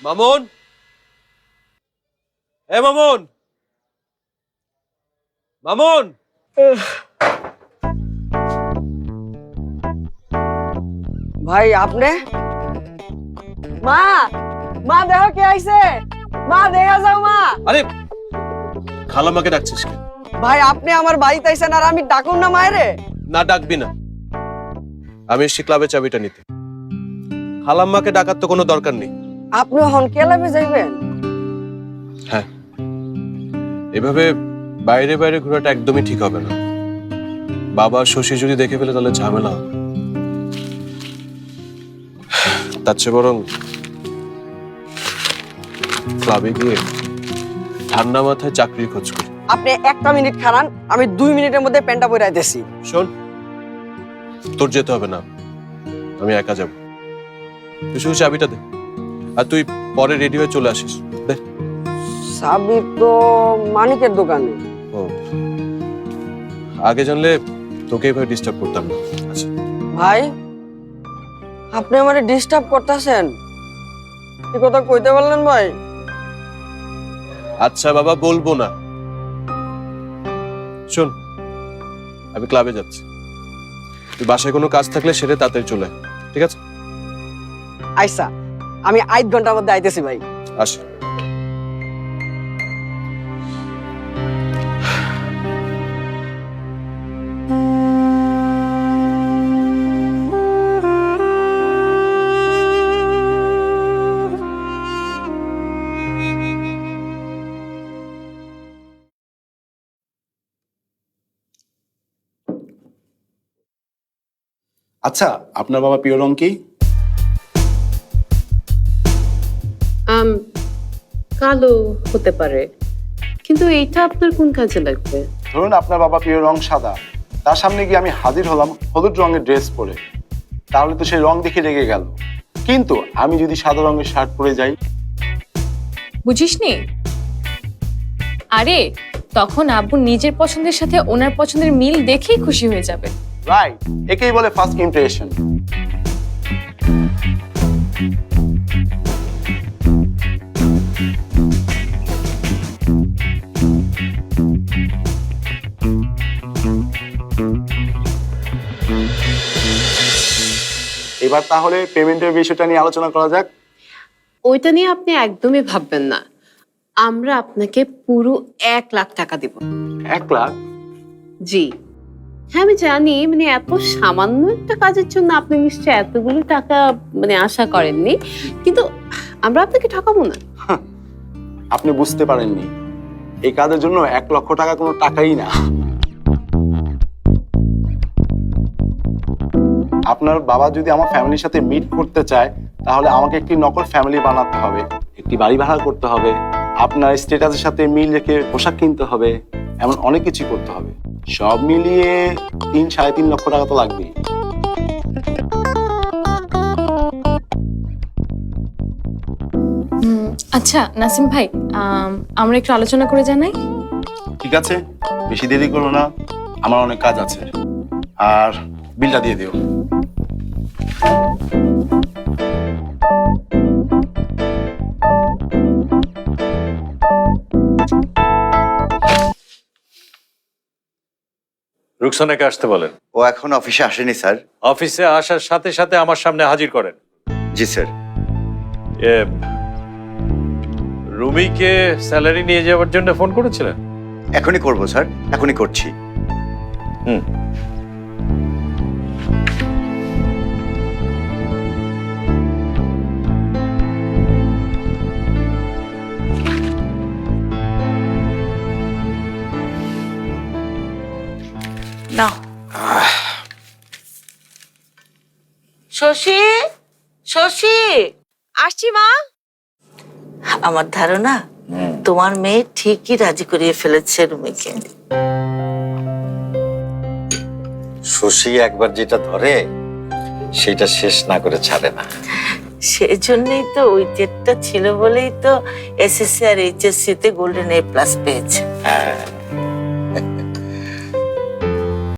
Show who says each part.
Speaker 1: মামুন, এ মামুন, মামুন।
Speaker 2: ভাই আপনি? মা, মা দেখো কে আইছে, মা দেখা যাও মা।
Speaker 1: আরে খালাম্মাকে ডাকছিস কেন?
Speaker 2: ভাই আপনি আমার বাড়িতে আইছেন আর আমি ডাকুন না মায়েরে?
Speaker 1: না ডাকবি না, আমি এসছি ক্লাবের চাবিটা নিতে। খালাম্মাকে ডাকার তো কোনো দরকার নেই।
Speaker 2: আপনি এখন ক্লাবে যাইবেন?
Speaker 1: হ্যাঁ, এভাবে বাইরে বাইরে ঘোরাটা একদমই ঠিক হবে না। বাবা শশী যদি দেখে ফেলে তাহলে ঝামেলা হবে। তার চেয়ে বরং ক্লাবে গিয়ে ঠান্ডা মাথায় চাকরির খোঁজ করি।
Speaker 2: আপনি একটা মিনিট খারান, আমি 2 মিনিটের মধ্যে প্যান্টটা পরে আইতেছি।
Speaker 1: শোন, তোর যেতে হবে না, আমি একা যাব। তুই শুধু চাবিটা দে, আর তুই পরে রেডি হয়ে চলে আসিস। দে।
Speaker 2: চাবি তো মানিকের দোকানে।
Speaker 1: ও, আগে জানলে তোকে এভাবে ডিস্টার্ব করতাম না। আচ্ছা
Speaker 2: ভাই আপনি আমারে ডিস্টার্ব করতেছেন, কি কথা কইতে পারলেন ভাই?
Speaker 1: আচ্ছা বাবা, বলবো না। শোন, আমি ক্লাবে যাচ্ছি, তুই বাসায় কোনো কাজ থাকলে সেটা তাড়াতাড়ি চলে আয়, ঠিক আছে?
Speaker 2: আইসা, আমি 8 ঘন্টার মধ্যে আইতেছি ভাই।
Speaker 1: আসি।
Speaker 3: আচ্ছা, আপনার বাবা প্রিয় রং কি?
Speaker 4: কালো হতে পারে, কিন্তু এইটা আপনার কোন কাজে লাগবে?
Speaker 3: ধরুন আপনার বাবা প্রিয় রং সাদা, তার সামনে গিয়ে আমি হাজির হলাম হলুদ রঙের ড্রেস পরে, তাহলে তো সেই রং দেখে রেগে গেল। কিন্তু আমি যদি সাদা রঙের শার্ট পরে যাই?
Speaker 5: বুঝিসনি? আরে তখন আব্বু নিজের পছন্দের সাথে ওনার পছন্দের মিল দেখেই খুশি হয়ে যাবে।
Speaker 3: রাইট, একেই বলে ফার্স্ট ইমপ্রেশন। এবার তাহলে পেমেন্টের বিষয়টা নিয়ে আলোচনা করা যাক।
Speaker 4: ওইটা নিয়ে আপনি একদমই ভাববেন না, আমরা আপনাকে পুরো 1 লাখ টাকা দিব।
Speaker 3: 1 লাখ?
Speaker 4: জি হ্যাঁ, আমি জানি, মানে এত সামান্য একটা কাজের জন্য আপনি নিশ্চয় এতগুলো টাকা আশা করেননি, কিন্তু আমরা আপনাকে ঠকাবো না।
Speaker 3: আপনি বুঝতে পারেননি, এই কাজের জন্য 1 লক্ষ টাকা কোনো টাকাই না। আপনার বাবা যদি আমার ফ্যামিলির সাথে মিট করতে চায়, তাহলে আমাকে একটি নকল ফ্যামিলি বানাতে হবে, একটি বাড়ি ভাড়া করতে হবে, আপনার স্ট্যাটাসের সাথে মিল রেখে পোশাক কিনতে হবে, এমন অনেক কিছু করতে হবে। সব মিলিয়ে 3-3.5 লক্ষ টাকা তো লাগবেই।
Speaker 5: আচ্ছা নাসিম ভাই, আমরা একটু আলোচনা করে জানাই।
Speaker 3: ঠিক আছে, বেশি দেরি করো না, আমার অনেক কাজ আছে। আর বিলটা দিয়ে দিও।
Speaker 6: রুকসানাকে আসতে বলেন।
Speaker 7: ও এখন অফিসে আসেনি স্যার।
Speaker 6: অফিসে আসার সাথে সাথে আমার সামনে হাজির করেন।
Speaker 7: জি স্যার।
Speaker 6: রুমিকে স্যালারি নিয়ে যাওয়ার জন্য ফোন করেছিলেন?
Speaker 7: এখনই করব স্যার, এখনই করছি।
Speaker 6: হুম।
Speaker 8: নাও। শশী, শশী,
Speaker 5: আসছি মা।
Speaker 8: আমার ধারণা তোমার মেয়ে ঠিকই রাজি করিয়ে ফেলেছে রুমিকে।
Speaker 7: শশী একবার যেটা ধরে সেটা শেষ না করে ছাড়ে না।
Speaker 8: সেজন্যই তো ওই জেদটা ছিল বলেই তো এসএসসি আর এইচএসসি তে গোল্ডেন A+ পেয়েছে।
Speaker 7: হ্যাঁ,